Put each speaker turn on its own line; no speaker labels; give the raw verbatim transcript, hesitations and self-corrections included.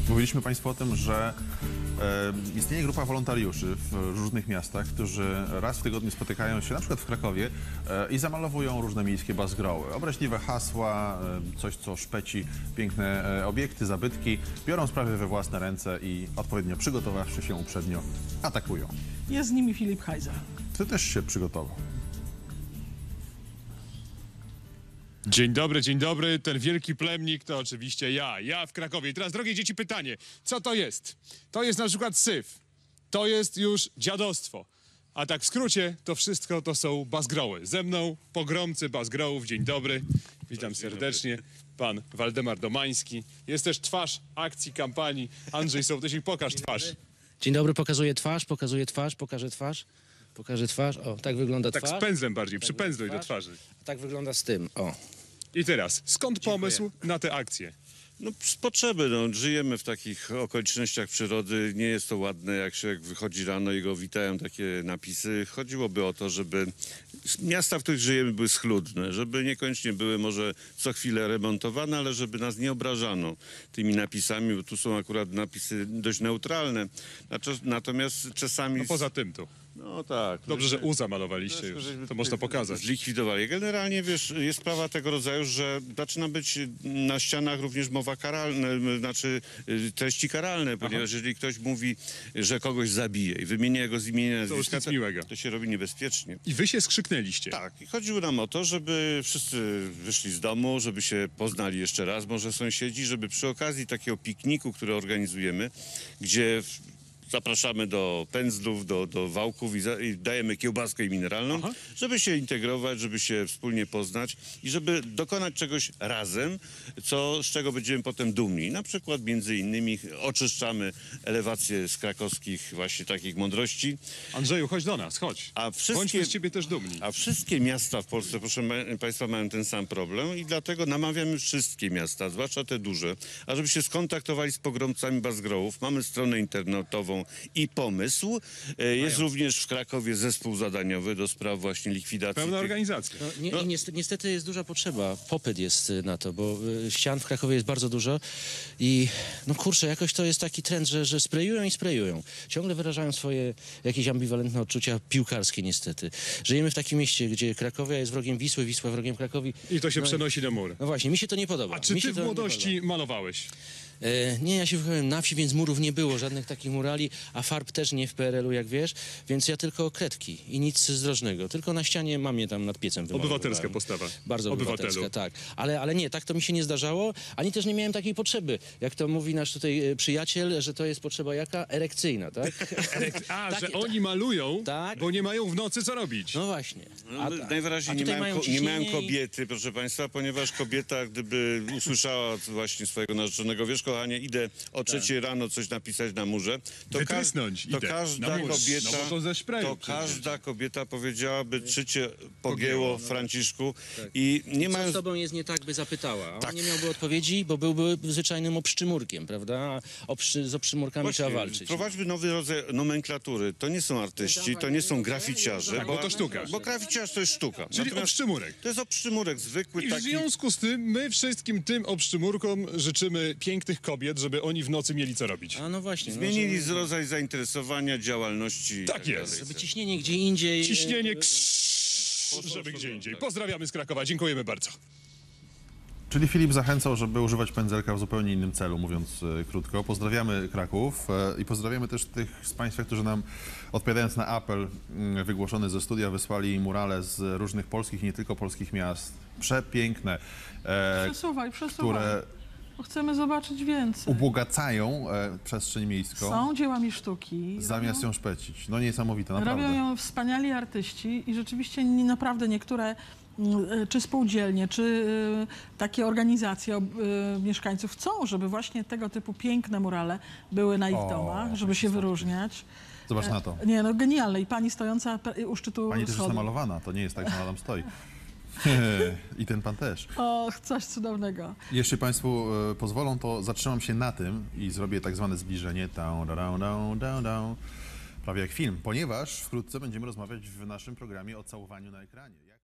Mówiliśmy Państwu o tym, że e, istnieje grupa wolontariuszy w różnych miastach, którzy raz w tygodniu spotykają się na przykład w Krakowie e, i zamalowują różne miejskie bazgroły. Obraźliwe hasła, e, coś co szpeci piękne e, obiekty, zabytki, biorą sprawy we własne ręce i odpowiednio przygotowawszy się uprzednio atakują.
Jest z nimi Filip Heiser.
Ty też się przygotował.
Dzień dobry, dzień dobry. Ten wielki plemnik to oczywiście ja. Ja w Krakowie. I teraz, drogie dzieci, pytanie. Co to jest? To jest na przykład syf. To jest już dziadostwo. A tak w skrócie, to wszystko to są bazgroły. Ze mną pogromcy bazgrołów. Dzień dobry. Witam serdecznie. Pan Waldemar Domański. Jest też twarz akcji, kampanii. Andrzej Sołtysik, pokaż twarz.
Dzień dobry, pokazuję twarz, pokazuję twarz, pokażę twarz. Pokażę twarz. O, tak wygląda
Tak
twarz.
z pędzlem bardziej, przypędzluj do twarzy.
A tak wygląda z tym. O.
I teraz, skąd pomysł na tę akcję?
No z potrzeby, no, żyjemy w takich okolicznościach przyrody, nie jest to ładne, jak się wychodzi rano i go witają takie napisy. Chodziłoby o to, żeby miasta, w których żyjemy, były schludne, żeby niekoniecznie były może co chwilę remontowane, ale żeby nas nie obrażano tymi napisami, bo tu są akurat napisy dość neutralne. Natomiast czasami...
No poza tym tu.
No tak.
Dobrze, że U zamalowaliście już. To można pokazać.
Zlikwidowali. Generalnie, wiesz, jest sprawa tego rodzaju, że zaczyna być na ścianach również mowa karalna, znaczy treści karalne, ponieważ Aha. jeżeli ktoś mówi, że kogoś zabije i wymienia jego z imienia nazwiska,
to, miłego.
to się robi niebezpiecznie.
I wy się skrzyknęliście.
Tak. I chodziło nam o to, żeby wszyscy wyszli z domu, żeby się poznali jeszcze raz, może sąsiedzi, żeby przy okazji takiego pikniku, który organizujemy, gdzie... zapraszamy do pędzlów, do, do wałków i, za, i dajemy kiełbaskę mineralną, Aha. żeby się integrować, żeby się wspólnie poznać i żeby dokonać czegoś razem, co, z czego będziemy potem dumni. Na przykład między innymi oczyszczamy elewację z krakowskich właśnie takich mądrości.
Andrzeju, chodź do nas, chodź.
A wszystkie,
Bądźmy z ciebie też dumni.
A wszystkie miasta w Polsce, proszę Państwa, mają ten sam problem i dlatego namawiamy wszystkie miasta, zwłaszcza te duże, ażeby się skontaktowali z pogromcami bazgrołów. Mamy stronę internetową i pomysł. Jest również w Krakowie zespół zadaniowy do spraw właśnie likwidacji.
Pełna
tych...
organizacja.
No, nie, no. Niestety, niestety jest duża potrzeba. Popyt jest na to, bo ścian w Krakowie jest bardzo dużo i no kurczę, jakoś to jest taki trend, że, że sprayują i sprayują. Ciągle wyrażają swoje jakieś ambiwalentne odczucia piłkarskie niestety. Żyjemy w takim mieście, gdzie Krakowia jest wrogiem Wisły, Wisła wrogiem Krakowi.
I to się
no,
przenosi na mur.
No właśnie, mi się to nie podoba.
A czy
mi
ty
się
w młodości malowałeś?
E, nie, ja się wychowałem na wsi, więc murów nie było, żadnych takich murali, a farb też nie w P R L u, jak wiesz, więc ja tylko kredki i nic zdrożnego. Tylko na ścianie mamie tam nad piecem wymalowywałem.
Obywatelska postawa.
Bardzo
Obywatelu.
obywatelska, tak. Ale, ale nie, tak to mi się nie zdarzało, ani też nie miałem takiej potrzeby. Jak to mówi nasz tutaj e, przyjaciel, że to jest potrzeba jaka? Erekcyjna, tak?
A,
tak,
że
tak.
oni malują,
tak.
bo nie mają w nocy co robić.
No właśnie.
No,
A,
najwyraźniej nie mają, ko nie mają kobiety, proszę Państwa, ponieważ kobieta, gdyby usłyszała właśnie swojego narzeczonego, wiesz kochanie, idę o trzeciej tak. rano coś napisać na murze, to, ka to każda kobieta,
no to, ze sprayu,
to każda kobieta powiedziałaby, czy cię pogięło, no. Franciszku, tak. i nie ma...
Co z tobą jest nie tak, by zapytała. On
tak.
nie miałby odpowiedzi, bo byłby zwyczajnym obszczymurkiem, prawda? Obszy, z obszczymurkami Właśnie, trzeba walczyć.
Wprowadźmy nowy rodzaj nomenklatury. To nie są artyści, to nie są graficiarze,
tak, bo, bo to sztuka.
Bo graficiarz to jest sztuka.
Czyli
Natomiast
obszczymurek.
To jest obszczymurek zwykły.
I w
taki...
związku z tym my wszystkim tym obszczymurkom życzymy pięknych kobiet, żeby oni w nocy mieli co robić.
A no właśnie.
Zmienili
no,
rodzaj zainteresowania, działalności.
Tak jest.
Żeby ciśnienie gdzie indziej...
Ciśnienie ksz, żeby gdzie indziej. Pozdrawiamy z Krakowa, dziękujemy bardzo.
Czyli Filip zachęcał, żeby używać pędzelka w zupełnie innym celu, mówiąc e, krótko. Pozdrawiamy Kraków e, i pozdrawiamy też tych z Państwa, którzy nam, odpowiadając na apel m, wygłoszony ze studia, wysłali murale z różnych polskich i nie tylko polskich miast. Przepiękne. E,
przesuwaj, przesuwaj.
Które
chcemy zobaczyć więcej.
Ubogacają e, przestrzeń miejską.
Są dziełami sztuki.
Zamiast
robią,
ją szpecić. No niesamowite, naprawdę.
Robią ją wspaniali artyści i rzeczywiście nie, naprawdę niektóre czy spółdzielnie, czy takie organizacje mieszkańców chcą, żeby właśnie tego typu piękne murale były na ich o, domach, żeby się wyróżniać.
Zobacz na to.
Nie, no genialne. I pani stojąca u szczytu
Pani też
schodu.
jest namalowana, to nie jest tak, że ona tam stoi. I ten pan też.
O, coś cudownego.
Jeśli Państwu e, pozwolą, to zatrzymam się na tym i zrobię tak zwane zbliżenie. Down, down, down, down, down. Prawie jak film, ponieważ wkrótce będziemy rozmawiać w naszym programie o całowaniu na ekranie.